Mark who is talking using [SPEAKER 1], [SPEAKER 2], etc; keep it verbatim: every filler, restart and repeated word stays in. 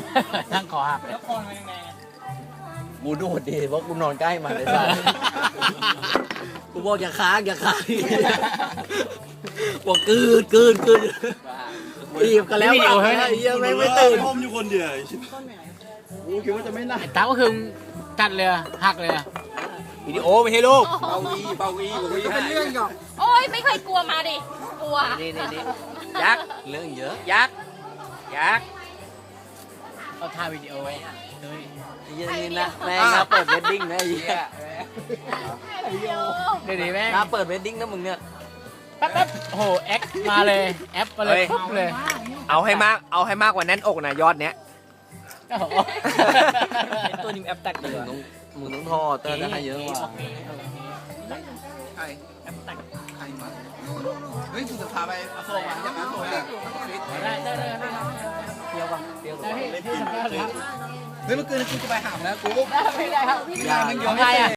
[SPEAKER 1] นั่งคอหัก
[SPEAKER 2] แล้วคอมันยังไง
[SPEAKER 3] กูดูดดีเพราะกูนอนใกล้มันเลยสัสกูบอกอย่าค้างอย่าค้างบอกกืนกืนกืนรีบกันแล้วยังไม่ไม่ตื่น
[SPEAKER 4] ห้อมอยู่คนเดียวกูคิดว่าจะไม่น่า
[SPEAKER 1] ไอ้ตาก็คือกัดเลยหักเลย
[SPEAKER 3] วิดีโอไม่ให้ลูก
[SPEAKER 4] เบาอีเบาอีเบาอี
[SPEAKER 2] เป็นเรื่องก่อน
[SPEAKER 5] โอ้ยไม่เคยกลัวมาดิ กลัว
[SPEAKER 3] นี่นี่นี่ยักษ์เรื่องเยอะยักษ์ยักษ์
[SPEAKER 1] เอาถ่ายวิดีโอไว้เฮ้ย
[SPEAKER 3] ยี่นี่นะแม่งนะเปิดเวดดิ้งนะไอ้เหี้ย
[SPEAKER 1] เดี๋ยวนี้แม่ง
[SPEAKER 3] นะเปิดเวดดิ้งนะมึงเนี่ย
[SPEAKER 1] แป๊บแป๊บโอ้โหแอคมาเลยแอปมาเลยปุ๊บเลย
[SPEAKER 6] เอาให้มากเอาให้มากกว่าแน่นอกนะยอดเนี้ย
[SPEAKER 1] โอ้โห
[SPEAKER 2] ตัวนี้แอปแตก
[SPEAKER 3] มึ
[SPEAKER 2] เล
[SPEAKER 3] ง
[SPEAKER 2] ย
[SPEAKER 3] ต้องมึงต้องทอเตอร์จะให้เยอะกว่า
[SPEAKER 2] ใครแอปแตกใครมาเฮ้ยกูจะพาไปอโศกอ่ะยังอโศกอ่ะ
[SPEAKER 1] ได้ได้ได้ได้
[SPEAKER 3] เที่ยวป่ะเที่ยว
[SPEAKER 1] ได้พี่พี่สัมภาษณ์ครับ
[SPEAKER 2] เฮ้ยเมื่อคืนกูจะไปหามแล้วกู
[SPEAKER 1] ได้ไม่ได้ครับ
[SPEAKER 2] งานมันเยอะ
[SPEAKER 1] ใครอ่ะ